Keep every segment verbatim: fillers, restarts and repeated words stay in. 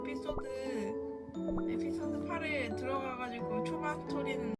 에피소드 에피소드 팔에 들어가가지고 초반 스토리는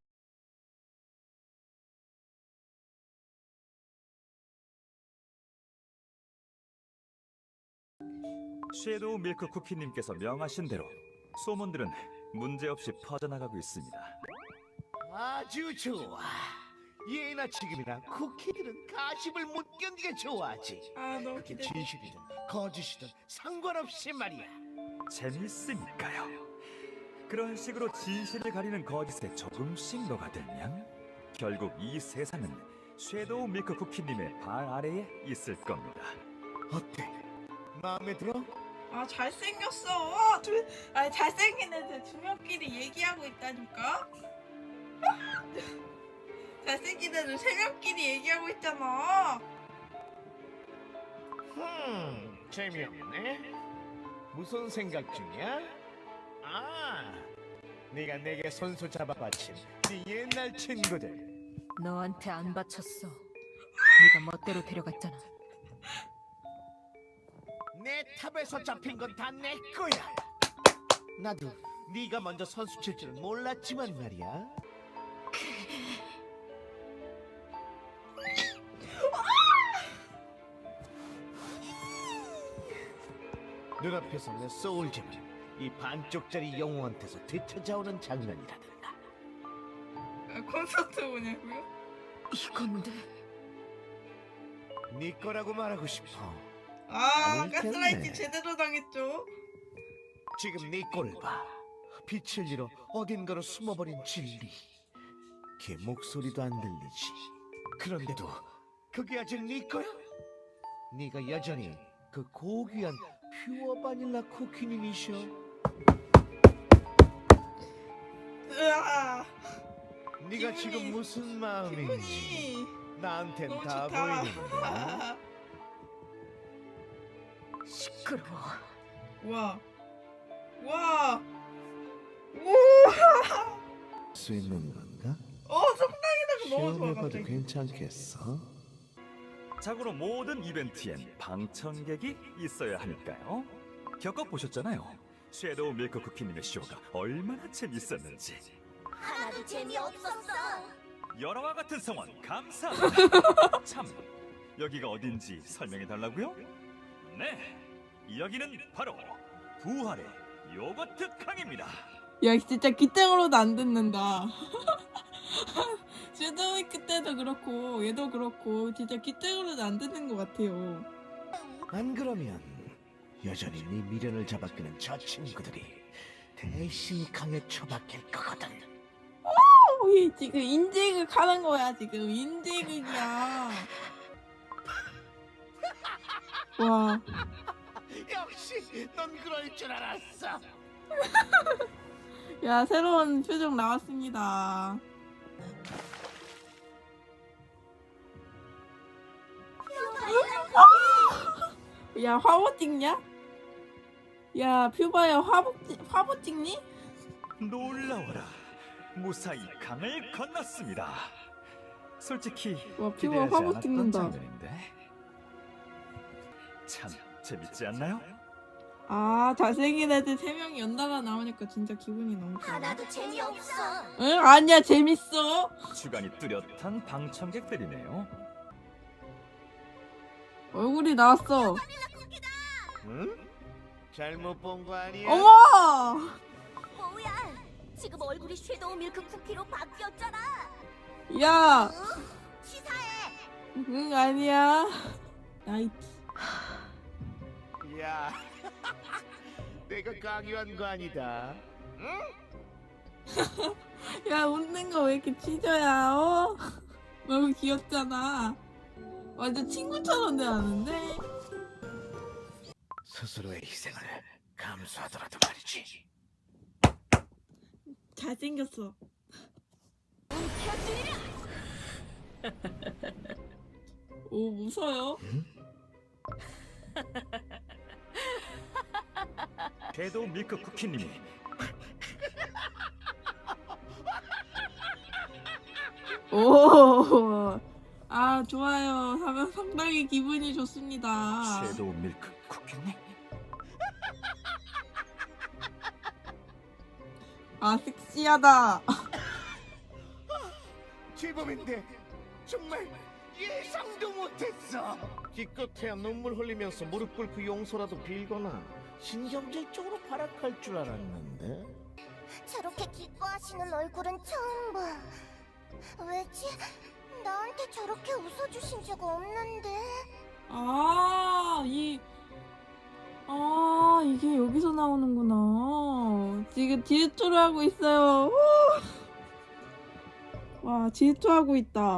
섀도우 밀크 쿠키님께서 명하신 대로 소문들은 문제없이 퍼져나가고 있습니다. 아주 좋아. 예나 지금이나 쿠키들은 가십을 못 견디게 좋아하지. 아 너무 그게 기대. 진실이든 거짓이든 상관없이 말이야. 재밌으니까요. 그런 식으로 진실을 가리는 거짓에 조금씩 녹아들면 결국 이 세상은 섀도우 밀크 쿠키님의 발 아래에 있을 겁니다. 어때? 마음에 들어? 아 잘생겼어. 두, 아니 잘생긴 애들 두 명끼리 얘기하고 있다니까. 잘생긴 애들 세 명끼리 얘기하고 있잖아. 흠, 재미없네. 무슨 생각 중이야? 아, 네가 내게 손수 잡아 바친 네 옛날 친구들. 너한테 안 바쳤어. 네가 멋대로 데려갔잖아. 내 탑에서 잡힌 건 다 내 거야. 나도 네가 먼저 선수 칠 줄은 몰랐지만 말이야. 눈앞에서 내 소울잼을 이 반쪽짜리 영웅한테서 되찾아오는 장면이라든가. 아, 콘서트 오냐고요? 이건데 네 거라고 말하고 싶어. 아 아닐 가스라이팅 텐데. 제대로 당했죠. 지금 네 꼴을 봐. 빛을 잃어 어딘가로 숨어버린 진리. 걔 목소리도 안 들리지. 그런데도 그게 아직 네 거야? 네가 여전히 그 고귀한 퓨어 바닐라 쿠키님이셔. 으아 네가 기분이- 지금 무슨 마음인지 기분이 나한텐 너무 다 좋다. 보이는데. 시끄러워. 와, 와, 우와, 수 있는 건가? 어 성당이라고 너무 좋아 시험해봐도 갑자기. 괜찮겠어? 자고로 모든 이벤트엔 방청객이 있어야 하니까요. 겪어보셨잖아요. 섀도우 밀크 쿠키님의 쇼가 얼마나 재밌었는지. 하나도 재미없었어. 여러와 같은 성원 감사합니다. 참, 여기가 어딘지 설명해달라고요? 네, 여기는 바로 부활의 요거트 강입니다. 야 진짜 기땡으로도 안 듣는다. 섀도우위크 때도 그렇고 얘도 그렇고 진짜 기땡으로도 안 듣는 것 같아요. 안 그러면 여전히 네 미련을 잡아끄는 저 친구들이 대신 강에 처박힐 거거든. 우리 지금 인지극 하는 거야 지금 인지극이야. 와. 역시 넌 그럴 줄 알았어. 야 새로운 표정 나왔습니다. 야 화보 찍냐? 야 퓨바야 화보 찍 화보 찍니? 놀라워라, 무사히 강을 건넜습니다. 솔직히 와 퓨바 기대하지 화보 않았던 찍는다. 장면인데 참 재밌지 않나요? 아 잘생긴 애들 세 명이 연달아 나오니까 진짜 기분이 너무 좋아. 하나도 재미없어. 응 아니야 재밌어. 주관이 뚜렷한 방청객들이네요. 얼굴이 나왔어. 응? 잘못 본 거 아니야? 어머. 뭐야? 지금 얼굴이 섀도우 밀크 쿠키로 바뀌었잖아. 야. 응? 치사해. 응 아니야. 나이트. 야, 내가 강요한 거 아니다. 응? 야 웃는 거 왜 이렇게 찢어야 어? 너무 귀엽잖아. 완전 친구처럼 대하는데. 스스로의 희생을 감수하더라도 말이지. 잘생겼어. 오 무서요? 섀도우 밀크 쿠키님이 오. 아 좋아요. 하면 상당히 기분이 좋습니다. 섀도우 밀크 쿠키님? 아 섹시하다. 제법인데 정말 예상도 못했어. 기껏해야 눈물 흘리면서 무릎 꿇고 용서라도 빌거나 신경질적으로 발악할 줄 알았는데. 저렇게 기뻐하시는 얼굴은 처음 봐. 왜지? 나한테 저렇게 웃어주신 적 없는데. 아, 이, 아, 이게 여기서 나오는구나. 지금 질투를 하고 있어요. 우! 와, 질투하고 있다.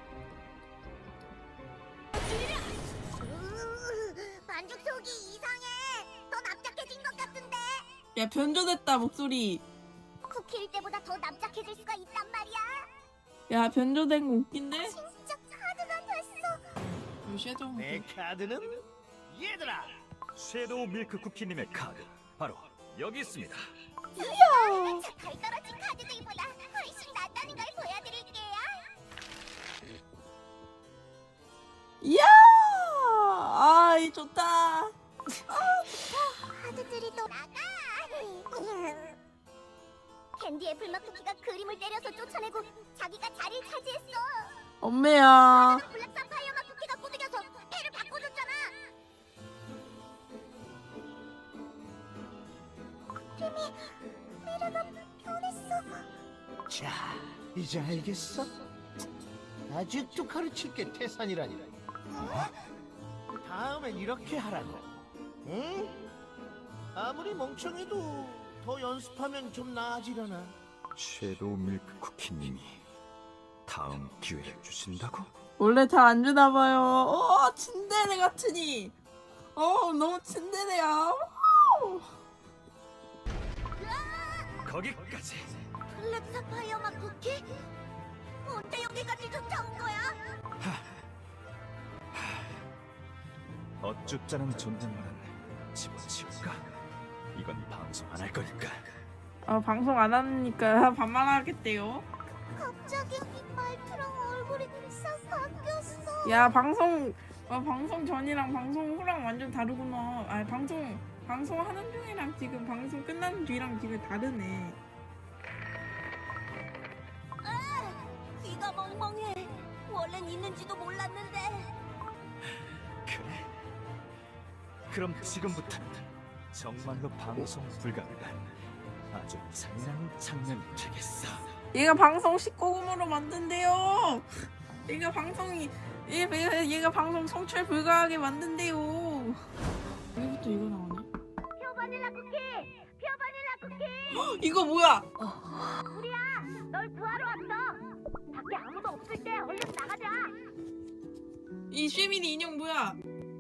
으, 반죽 속이 이상해. 더 납작해진 것 같은데. 야, 변조됐다, 목소리. 쿠키일 때보다 더 납작해질 수가 있단 말이야. 야, 변조된 거 웃긴데? 진짜 카드가 됐어. 이 섀도우. 내 카드는 얘들아. 섀도우 밀크 쿠키님의 카드 바로 여기 있습니다. 저 달 떨어진 카드들보다 훨씬 낫다는 걸 보여드릴게요. 이야! 아, 이 좋다. 카드들이 또 나가. 캔디 애플맛 쿠키가 그림을 때려서 쫓아내고 자기가 자리를 차지했어. 엄매야. 블랙 사파이어 맛 쿠키가 꼬드겨서 패를 바꿔줬잖아. 팀이 미래가 변했어. 자, 이제 알겠어? 아직도 가르칠 게 태산이라니. 다음엔 이렇게 하라고. 응? 아무리 멍청해도 더 연습하면 좀 나아지려나. 섀도우 밀크 쿠키님이 다음 기회를 주신다고? 원래 잘 안 주나 봐요. 어, 친데레 같으니. 어, 너무 친데레야. 오! 거기까지. 블랙 사파이어 맛 쿠키? 언제 여기까지 쫓아온 거야? 어쭙잖은 존댓말은 집어치울까? 이건 방송 안 할 거니까. 아, 방송 안 하니까 반말하겠대요. 갑자기 말투랑 얼굴이 싹 바뀌었어. 야, 방송 어, 방송 전이랑 방송 후랑 완전 다르구나. 아, 방송 방송 하는 중이랑 지금 방송 끝난 뒤랑 지금 다르네. 귀가 멍멍해. 원래는 있는지도 몰랐는데. 그래? 그럼 지금부터는 정말로 방송 불가능한 아주 잔인한 장면이 되겠어. 얘가 방송 십구 금으로 만든대요. 얘가 방송이 얘가, 얘가 방송 성출 불가하게 만든대요. 여기부터 이거 나오네. 표 바닐라 쿠키! 표 바닐라 쿠키! 이거 뭐야? 우리야! 널 구하러 왔어! 밖에 아무도 없을 때 얼른 나가자! 이 쉐미니 인형 뭐야?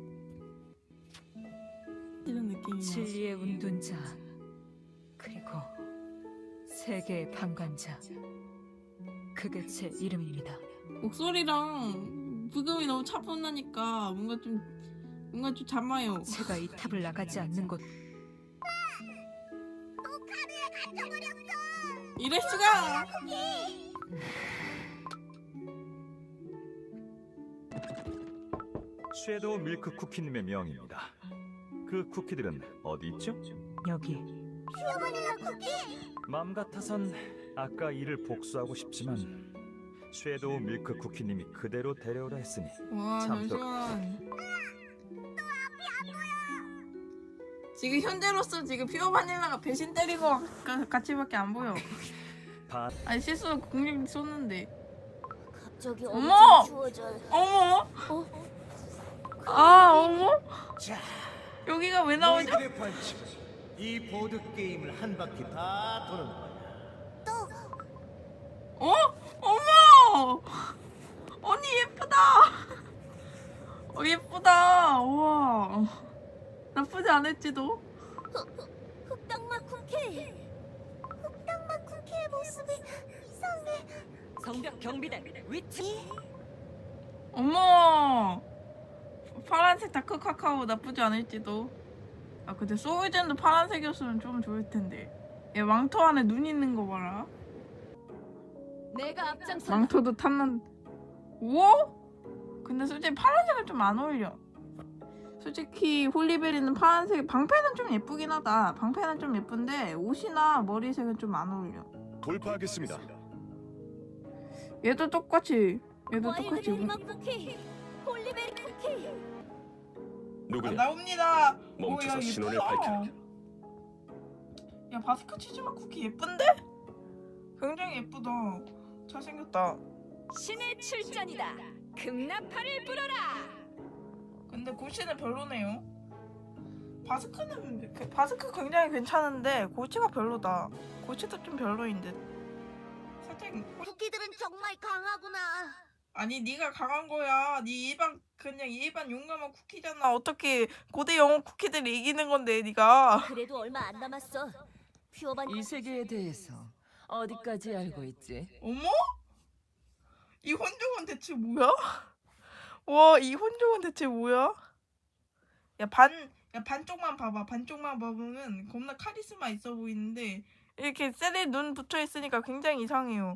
이런 느낌이야. 진리의 운둔자 그리고 세계의 방관자 그게 제 이름입니다. 목소리랑 부금이 너무 차분하니까 뭔가 좀 뭔가 좀 잠아요. 제가 이 탑을 나가지 않는 곳 또 카드에 갇혀버렸어! 이럴 수가. 쿠키! 섀도우 밀크 쿠키님의 명입니다. 그 쿠키들은 어디 있죠? 여기 표 바닐라 쿠키! 맘 같아선 아까 일을 복수하고 싶지만 섀도우 밀크 쿠키님이 그대로 데려오라 했으니 와, 참 또- 잠시만. 지금 현재로서 지금 피어 바닐라가 배신 때린 거 같이밖에 안 보여. 반 아니 실수로 공룡 쏘는데. 갑자기 어머! 엄청 추워져. 어머? 어? 아, 어머? 자, 여기가 왜 나오죠? 너희들의 벌칙은 이 보드 게임을 한 바퀴 다 도는 거야. 어? 어머! 언니 예쁘다. 어, 예쁘다. 우와. 나쁘지 않을지도. 흑당맛 쿠키! 흑당맛 쿠키의 모습이 이상해. 성벽 경비대 위치 어머. 파란색 다크 카카오 나쁘지 않을지도. 아, 근데 소울젠도 파란색이었으면 좀 좋을 텐데. 얘 망토 안에 눈 있는 거 봐라. 내가 앞장서 망토도 탐난. 우와? 근데 솔직히 파란색은 좀 안 어울려. 솔직히 홀리베리는 파란색, 방패는 좀 예쁘긴 하다. 방패는 좀 예쁜데 옷이나 머리색은 좀 안 어울려. 돌파하겠습니다. 얘도 똑같이 얘도 똑같이 와일드베리 맛 쿠키, 홀리베리 쿠키. 누구냐? 나옵니다. 멈춰서 오, 야, 신호를 예쁘다. 밝혀라. 야 바스크 치즈맛 쿠키 예쁜데? 굉장히 예쁘다. 잘생겼다. 신의 출전이다. 금나팔을 불어라. 근데 고치는 별로네요. 바스크는 그- 바스크 굉장히 괜찮은데 고치가 별로다. 고치도 좀 별로인 듯. 살짝 쿠키들은 정말 강하구나. 아니 네가 강한 거야. 네 일반 그냥 일반 용감한 쿠키잖아. 어떻게 고대 영웅 쿠키들이 이기는 건데 네가. 그래도 얼마 안 남았어. 퓨어반 이 세계에 대해서 어디까지 알고 있지? 어머? 이 혼종은 대체 뭐야? 와, 이 혼종은 대체 뭐야? 야, 반, 야, 반쪽만 봐봐. 반쪽만 봐보면 겁나 카리스마 있어 보이는데 이렇게 셀에 눈 붙어 있으니까 굉장히 이상해요.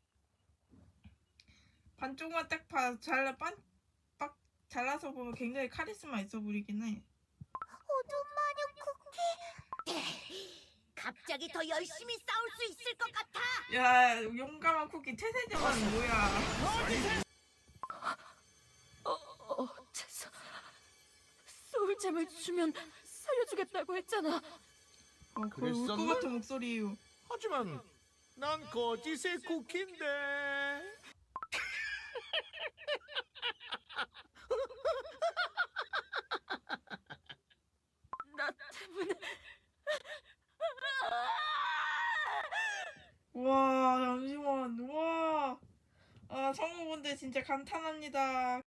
반쪽만 딱 봐, 잘라, 빤, 빡 잘라서 보면 굉장히 카리스마 있어 보이긴 해. 호두 마녀 쿠키. 갑자기 더 열심히 싸울 수 있을 것 같아. 야, 용감한 쿠키 태세제만 뭐야? 어, 어째서 소울잼을 주면 살려주겠다고 했잖아. 어, 거의 울것 그랬었나? 같은 목소리예요. 하지만 난 거짓의 쿠키인데. 나 때문에 와 잠시만 와 아, 성우분들 진짜 감탄합니다.